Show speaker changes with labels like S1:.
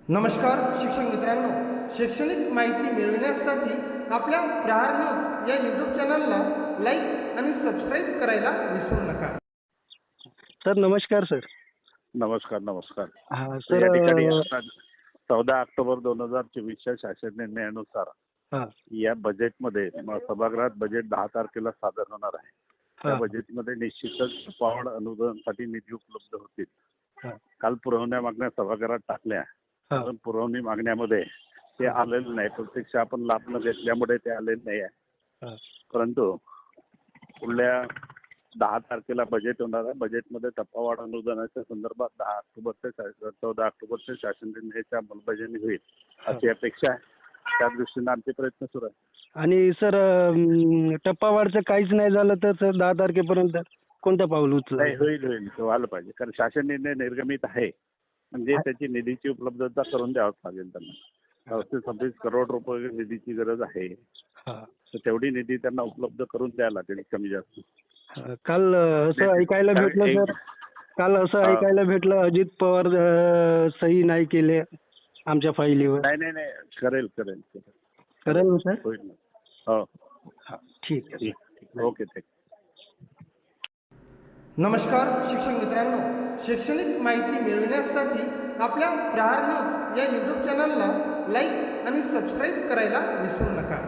S1: नमस्कार शिक्षक मित्रांनो, शैक्षणिक माहिती मिळविण्यासाठी आपल्या प्रहार न्यूज या यूट्यूब चॅनलला लाईक आणि सबस्क्राईब करायला विसरू नका.
S2: सर नमस्कार सर.
S3: नमस्कार नमस्कार.
S2: हा
S3: तर
S2: सर
S3: या ठिकाणी आता 14 ऑक्टोबर 2024च्या शासन निर्णयानुसार
S2: हा
S3: या बजेटमध्ये सभागृहात बजेट 10 तारखेला सादर होणार आहे. त्या
S2: हा
S3: बजेटमध्ये निश्चितच पॉड अनुदानासाठी निधी उपलब्ध होतील.
S2: हा
S3: काल पुरवण्या मागण्या सभागृहात टाकल्या,
S2: हा
S3: पण पुरवणी मागण्यामध्ये ते आलेलं नाही. प्रत्यक्ष आपण लाभ न घेतल्यामुळे ते आलेलं नाही आहे.
S2: हा
S3: परंतु पुढल्या 10 तारखेला बजेट होणार आहे. बजेटमध्ये टप्पावाढ अनुदानाच्या संदर्भात 14 ऑक्टोबरच्या शासन निर्णयाची अंमलबजावणी होईल अशी अपेक्षा आहे. त्या दृष्टीने आमचे प्रयत्न सुरू आहेत.
S2: आणि सर टप्पावाढचं काहीच नाही झालं तर सर 10 तारखेपर्यंत कोणतं पाऊल उचला?
S3: नाही, होईल होईल व्हायला पाहिजे. कारण शासन निर्णय निर्गमित आहे म्हणजे त्याची निधीची उपलब्धता करून द्यावंच लागेल त्यांना. 26 करोड रुपये निधीची गरज आहे. तर तेवढी निधी त्यांना उपलब्ध करून द्यायला लागेल कमी जास्त.
S2: काल असं ऐकायला भेटलं सर, काल असं ऐकायला भेटलं अजित पवार सही नाही केले आमच्या फाईलीवर.
S3: नाही नाही नाही, करेल करेल
S2: करेल ना सर?
S3: होईल ना. हो
S2: ठीक आहे.
S3: ठीक. Okay thank you.
S1: नमस्कार शिक्षक मित्रांनो, शैक्षणिक माहिती मिळविण्यासाठी आपल्या प्रहार न्यूज या यूट्यूब चॅनलला लाईक आणि सबस्क्राईब करायला विसरू नका.